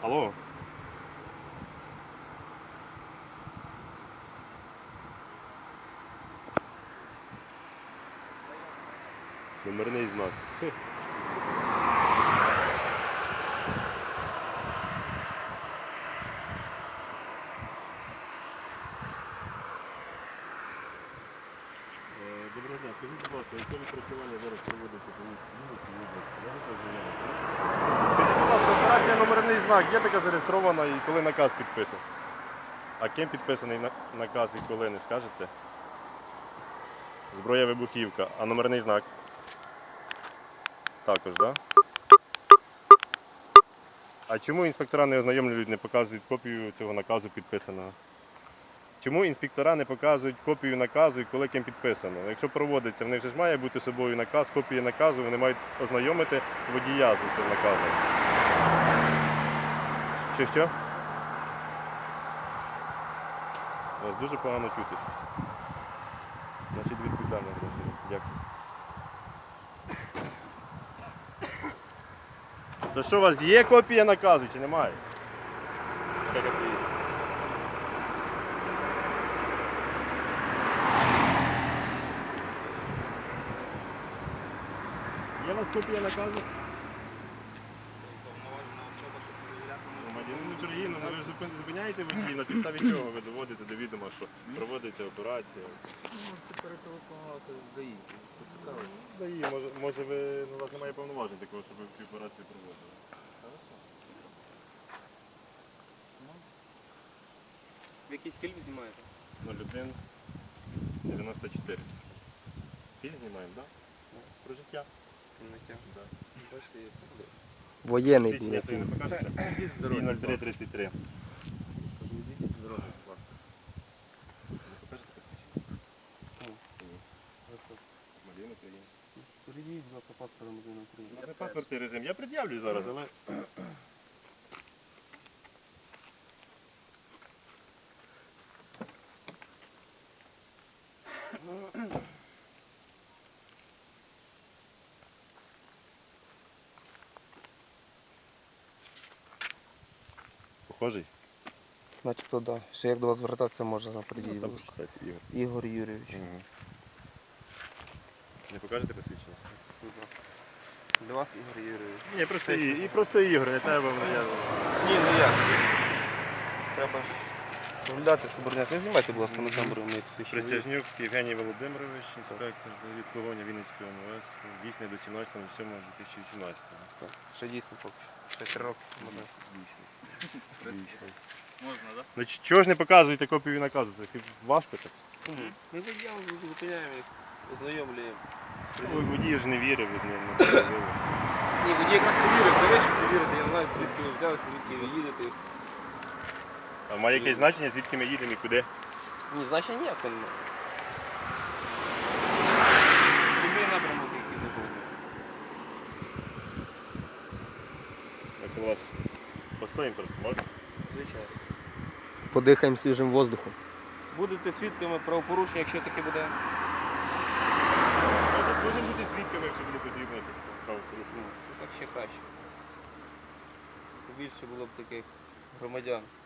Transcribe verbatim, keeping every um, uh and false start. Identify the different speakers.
Speaker 1: Алло. Номерний знак. Доброго дня, скажіть, будь ласка, яке відпрацювання зараз проводиться по Вінницькій області? Скажіть, будь ласка, операція номерний знак є така зареєстрована і коли наказ підписаний? А ким підписаний наказ і коли, не скажете? Зброя вибухівка, а номерний знак? Також, так? Да? А чому інспектора не ознайомлюють, не показують копію цього наказу підписаного? Чому інспектора не показують копію наказу і коли ким підписано? Якщо проводиться, в них же ж має бути з собою наказ, копія наказу, вони мають ознайомити водія з цим наказом. Що, що? Вас дуже погано чути. Значить, відповідально. Дякую. То що, у вас є копія наказу чи немає? Є у вас копія наказу? Громадянин України, ну ви ж зупин- зупиняєте водії, на підставі чого ви доводите до відома, що проводиться операція?
Speaker 2: Можете перетелефонувати з ДАІ, поцікавити.
Speaker 1: Да і, може, може ви, ну, у вас немає повноважень такого, щоб ви цю операцію проводили.
Speaker 2: Ви якийсь фільм знімаєте?
Speaker 1: нуль один дев'яносто чотири. Фільм знімаємо, так? Да? Про життя.
Speaker 2: Кінотеатр.
Speaker 1: Да.
Speaker 3: Воєнний
Speaker 1: Свідчення
Speaker 3: був.
Speaker 1: свої не покажете?
Speaker 2: Ідіть
Speaker 1: І
Speaker 2: здоров'я.
Speaker 1: нуль три тридцять три.
Speaker 2: Кажу, ідіть здоров'я, будь ласка.
Speaker 1: Не покажете посвідчення?
Speaker 2: Чому?
Speaker 1: Ні. Громадянин України.
Speaker 2: Перейдіть, будь ласка, паспорт громадянина України.
Speaker 1: Це паспортний режим. Я пред'явлю зараз, але... Похожий?
Speaker 3: Начебто, так. Да. Ще як до вас звертатися можна на
Speaker 1: Ну,
Speaker 3: події.
Speaker 1: там почитайте, Ігор.
Speaker 3: Ігор Юрійович.
Speaker 1: Угу. Не покажете посвідчення?
Speaker 2: Будь ласка. Для вас Ігор Юрійович.
Speaker 1: Ні, просто, і, і просто Ігор, не треба вам я...
Speaker 2: Ні, ну як? Треба ж виглядати субординат. Не знімайте, будь ласка, на камеру, ми тут ще.
Speaker 1: Присяжнюк Євгеній Володимирович, інспектор від погоні Вінницької Ом Ве Ес, дійсний до сімнадцятого сьомого дві тисячі вісімнадцятого.
Speaker 2: Ще дійсно поки що. Ще три роки.
Speaker 1: Дійсний. Дійсний.
Speaker 2: Можна, так?
Speaker 1: Ну ч- чого ж не показуєте копію наказу? Це хіба ваш питання?
Speaker 2: Ми заяву зупиняємо їх, ознайомлюємо.
Speaker 1: Ну, водій ж не вірив, ви з ним не говорили.
Speaker 2: Ні, водій якраз повірив, це ви щось повірите, я не знаю, звідки ви взялися, звідки ви їдете.
Speaker 1: А має якесь значення, звідки ми їдемо і куди?
Speaker 2: Ні, значення ніякого немає. Любий напрямок, який не був.
Speaker 1: Як у вас постоїмо просто, можна?
Speaker 2: Звичайно.
Speaker 3: Подихаємо свіжим воздухом.
Speaker 2: Будете свідками правопорушення, якщо таке буде.
Speaker 1: Може, можемо бути свідками, якщо буде потрібно правопорушення.
Speaker 2: Ну, так ще краще. Більше було б таких громадян.